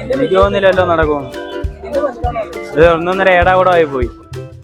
എനിക്ക് തോന്നുന്നില്ലല്ലോ നടക്കും. ഇത് ഒന്നൊന്നര ഏടാ കൂടെ ആയി പോയി.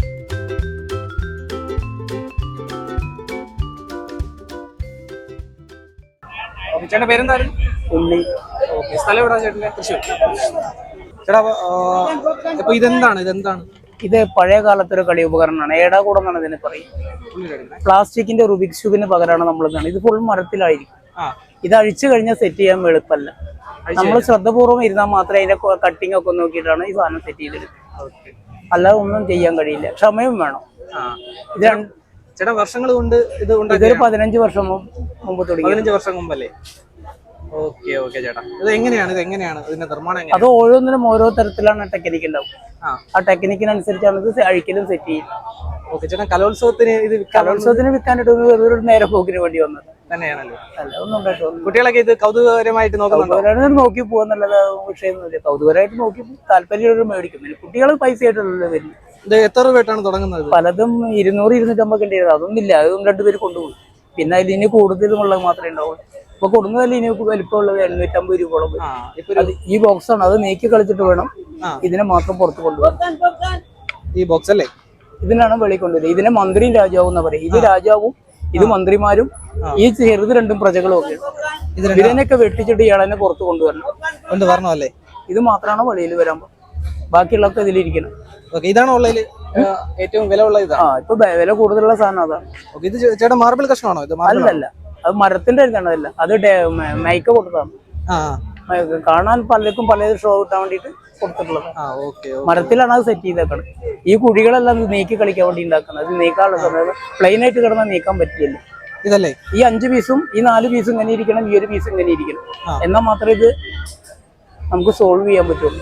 ചേട്ടൻ്റെ പേരെന്തായാലും ഉണ്ണി. സ്ഥലം എവിടാ ചേട്ടൻ്റെ? തൃശ്ശൂർ. ചേട്ടാ അപ്പൊ ഇതെന്താണ്? ഇത് പഴയ കാലത്തൊരു കളി ഉപകരണമാണ്. ഏടാകൂടം എന്നാണ് ഇതിന് പറയും. പ്ലാസ്റ്റിക്കിന്റെ റുബിക്സ് ക്യൂബിന് പകരമാണ് നമ്മൾ ഇത് ഫുൾ മരത്തിലായിരിക്കും. ഇത് അഴിച്ചു കഴിഞ്ഞാൽ സെറ്റ് ചെയ്യാൻ എളുപ്പമല്ല. നമ്മൾ ശ്രദ്ധപൂർവ്വം ഇരുന്നാൽ മാത്രമേ അതിന്റെ കട്ടിങ് ഒക്കെ നോക്കിയിട്ടാണ് ഈ സാധനം സെറ്റ് ചെയ്തെടുക്കുന്നത്. അല്ലാതെ ഒന്നും ചെയ്യാൻ കഴിയില്ല, ക്ഷമയും വേണം. ഇത് ചേട്ടാ വർഷങ്ങൾ കൊണ്ട് ഇതൊരു 15 വർഷം മുമ്പ് തുടങ്ങി. 15 വർഷം മുമ്പല്ലേ? ഓക്കെ ചേട്ടാ, ഇത് എങ്ങനെയാണ് ഇതിന്റെ നിർമ്മാണം? അത് ഓരോന്നിനും ഓരോ തരത്തിലാണ് ടെക്നിക്ക് ഉണ്ടാവും. ആ ടെക്നിക്കിനനുസരിച്ചാണ് ഇത് അഴിക്കലും സെറ്റ് ചെയ്യും. ഓക്കെ ചേട്ടാ, കലോത്സവത്തിന് വിൽക്കാനായിട്ട് ഒരു നേരെ പോക്കിന് വേണ്ടി വന്നത് തന്നെയാണല്ലോ. അല്ല ഒന്നും ഉണ്ടായിട്ടൊന്നും. കുട്ടികളൊക്കെ ഇത് കൗതുകകരമായിട്ട് നോക്കി പോവാന്നുള്ളത് വിഷയമൊന്നുമില്ല. കൗതുകരമായിട്ട് നോക്കി താല്പര്യം മേടിക്കുന്നില്ല. കുട്ടികൾ പൈസ ആയിട്ടുള്ളത് വരില്ല. ഇത് എത്ര രൂപയായിട്ടാണ് തുടങ്ങുന്നത്? പലതും 200-250 ഉണ്ടായിരുന്നു. അതൊന്നുമില്ല, അതൊന്നും 2 പേര് കൊണ്ടുപോകും. പിന്നെ അതിൽ ഇനി കൂടുതലുമുള്ളത് മാത്രമേ ഉണ്ടാവുള്ളൂ. ഇപ്പൊ കൊടുക്കുന്നതല്ല ഇനി വലിപ്പമുള്ളത് 850 രൂപയോളം. ഈ ബോക്സ് ആണ്, അത് നീക്കി കളിച്ചിട്ട് വേണം ഇതിനെ മാത്രം പുറത്ത് കൊണ്ടുപോകാൻ. ഈ ബോക്സ് അല്ലേ? ഇതിനാണ് വെളി കൊണ്ടുവരുന്നത്. ഇതിനെ മന്ത്രിയും രാജാവും എന്ന് പറയും. ഇത് രാജാവും ഇത് മന്ത്രിമാരും ഈ ചെറുത് 2 പ്രജകളും ഒക്കെ. ഇതിനൊക്കെ വെട്ടിച്ചിട്ട് ഇയാളെന്നെ പുറത്ത് കൊണ്ടുവരണം അല്ലേ? ഇത് മാത്രമാണ് വെളിയിൽ വരാൻ. ബാക്കിയുള്ളതൊക്കെ ഇതിലിരിക്കണം. ഇതാണ് ഉള്ളതിൽ ഏറ്റവും വില ഉള്ള ഇതാണ്. ഇപ്പൊ വില കൂടുതലുള്ള സാധനം അതാണ്. ഇത് ചേട്ടാ മാർബിൾ കഷ്ണമാണോ? ഇത് അല്ലല്ല, അത് മരത്തിന്റെ ഇതാണതല്ല, അത് മൈക്ക കൊടുത്തതാണ്. കാണാൻ പലർക്കും പല ഷോ കിട്ടാൻ വേണ്ടിട്ട് കൊടുത്തിട്ടുള്ളത്. മരത്തിലാണ് അത് സെറ്റ് ചെയ്തേക്കുന്നത്. ഈ കുഴികളെല്ലാം നീക്കി കളിക്കാൻ വേണ്ടി ഉണ്ടാക്കുന്നത്. അത് നീക്കാനുള്ള സമയം പ്ലെയിൻ ആയിട്ട് കിടന്നാൽ നീക്കാൻ പറ്റില്ല. ഇതല്ലേ ഈ 5 പീസും ഈ 4 പീസും ഇങ്ങനെ ഇരിക്കണം, ഈ 1 പീസ് ഇങ്ങനെ ഇരിക്കണം. എന്നാൽ മാത്രമേ ഇത് നമുക്ക് സോൾവ് ചെയ്യാൻ പറ്റുള്ളൂ.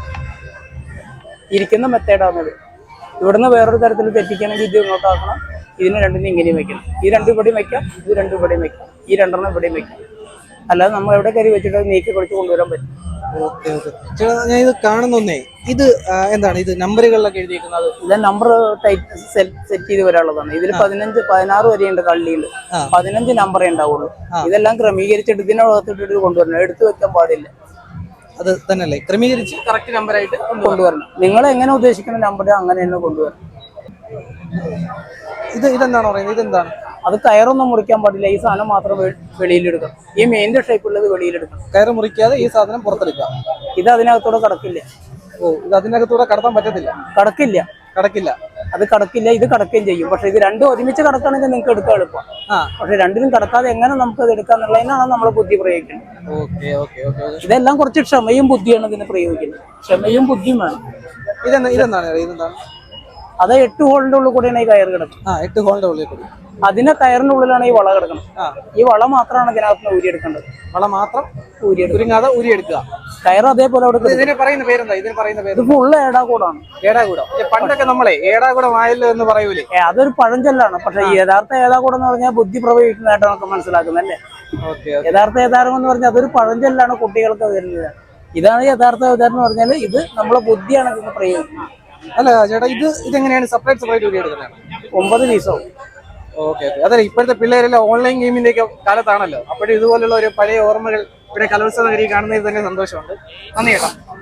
ഇരിക്കുന്ന മെത്തേഡാണത്. ഇവിടുന്ന് വേറൊരു തരത്തിൽ തെറ്റിക്കണമെങ്കിൽ ഇത് ഇങ്ങോട്ടാക്കണം. ഇതിന് 2 ഇങ്ങനെയും വെക്കണം. ഈ 2 ഇവിടെയും വെക്കാം, ഇത് 2 ഇവിടെയും വെക്കാം, ഈ 2 ഇവിടെയും വെക്കാം. അല്ലാതെ നമ്മൾ എവിടെ കയറി വെച്ചിട്ട് നീക്കി കുറച്ച് കൊണ്ടുവരാൻ പറ്റും. ഞാൻ ഇത് കാണുന്നേ, ഇത് എന്താണ്? ഇത് നമ്പറുകളിലൊക്കെ എഴുതിയിരിക്കുന്നത്? ഇത് നമ്പർ സെറ്റ് ചെയ്ത് വരാനുള്ളതാണ്. ഇതിൽ 16 വരെയുണ്ട് കള്ളിയിൽ. 15 നമ്പറേ ഉണ്ടാവുള്ളൂ. ഇതെല്ലാം ക്രമീകരിച്ചിട്ട് ഇതിനകത്തിട്ട് കൊണ്ടുവരണം. എടുത്തു വെക്കാൻ പാടില്ല. അത് തന്നെയല്ലേ ക്രമീകരിച്ച് കറക്റ്റ് നമ്പറായിട്ട് കൊണ്ടുവരണം. നിങ്ങൾ എങ്ങനെ ഉദ്ദേശിക്കുന്ന നമ്പർ അങ്ങനെ തന്നെ കൊണ്ടുവരണം. ഇതെന്താണോ പറയുന്നത്? ഇതെന്താണ്? അത് കയറൊന്നും മുറിക്കാൻ പാടില്ല. ഈ സാധനം മാത്രം വെളിയിലെടുക്കണം. ഈ മെയിൻ്റെ ഷേപ്പുള്ളത് വെളിയിലെടുക്കണം. കയറ് മുറിക്കാതെ ഈ സാധനം പുറത്തെടുക്കാം. ഇത് അതിനകത്തൂടെ കടക്കില്ല. ഇത് അതിനകത്തൂടെ കടത്താൻ പറ്റത്തില്ല. കടക്കില്ല. അത് കടക്കില്ല. ഇത് കടക്കുകയും ചെയ്യും. പക്ഷെ ഇത് 2 ഒരുമിച്ച് കടക്കുകയാണെങ്കിൽ നിങ്ങൾക്ക് എടുക്കാൻ എളുപ്പം. പക്ഷെ 2നും കടക്കാതെ എങ്ങനെ നമുക്ക് അത് എടുക്കാന്നുള്ളതിനാണ് നമ്മൾ ബുദ്ധി പ്രയോഗിക്കുന്നത്. ഇതെല്ലാം കുറച്ച് ക്ഷമയും ബുദ്ധിയാണ് ഇതിന് പ്രയോഗിക്കുന്നത്. ക്ഷമയും ബുദ്ധിയും വേണം. ഇതെന്താണ്? അത് 8 ഹോളിന്റെ ഉള്ളിൽ കൂടെയാണ് ഈ കയർ കിടക്കുന്നത്. 8 ഹോളിന്റെ ഉള്ളിൽ കൂടി. അതിന്റെ കയറിന്റെ ഉള്ളിലാണ് ഈ വള കിടക്കുന്നത്. ഈ വള മാത്രമാണ് ഇതിനകത്ത് ഊരിയെടുക്കേണ്ടത്. വള മാത്രം ഊരിയെടുക്കുക. കയർ അതേപോലെ അവിടെ. ഇതിന് പറയുന്ന പേരെന്താ? ഇത് ഫുള്ള് ഏടാകൂടാണ്. പണ്ടൊക്കെ നമ്മളെ ഏടാകൂടം ആയല്ലോ എന്ന് പറയൂലേ? അതൊരു പഴഞ്ചൊല്ലാണ്. പക്ഷെ യഥാർത്ഥ ഏടാകൂടം എന്ന് പറഞ്ഞാൽ ബുദ്ധി പ്രയോഗിക്കുന്നതായിട്ട് നമുക്ക് മനസ്സിലാക്കുന്നല്ലേ. യഥാർത്ഥ ഏതാരം എന്ന് പറഞ്ഞാൽ അതൊരു പഴഞ്ചൊല്ലാണ് കുട്ടികൾക്ക് വരുന്നത്. ഇതാണ് യഥാർത്ഥ ഏതാരം എന്ന് പറഞ്ഞാൽ ഇത് നമ്മളെ ബുദ്ധിയാണ് ഇതിന് പ്രയോഗിക്കുന്നത്. അല്ല ചേട്ടാ, ഇതെങ്ങനെയാണ് സെപ്പറേറ്റ് ഊരിയെടുക്കുന്നത്? 9 പീസോ? ഓക്കെ. അതെ, ഇപ്പോഴത്തെ പിള്ളേരെല്ലാം ഓൺലൈൻ ഗെയിമിന്റെ ഒക്കെ കാലത്താണല്ലോ. അപ്പോഴും ഇതുപോലുള്ള ഒരു പഴയ ഓർമ്മകൾ ഇവിടെ കലോത്സവ നഗരി കാണുന്നതിൽ തന്നെ സന്തോഷമുണ്ട്. നന്ദി ചേട്ടാ.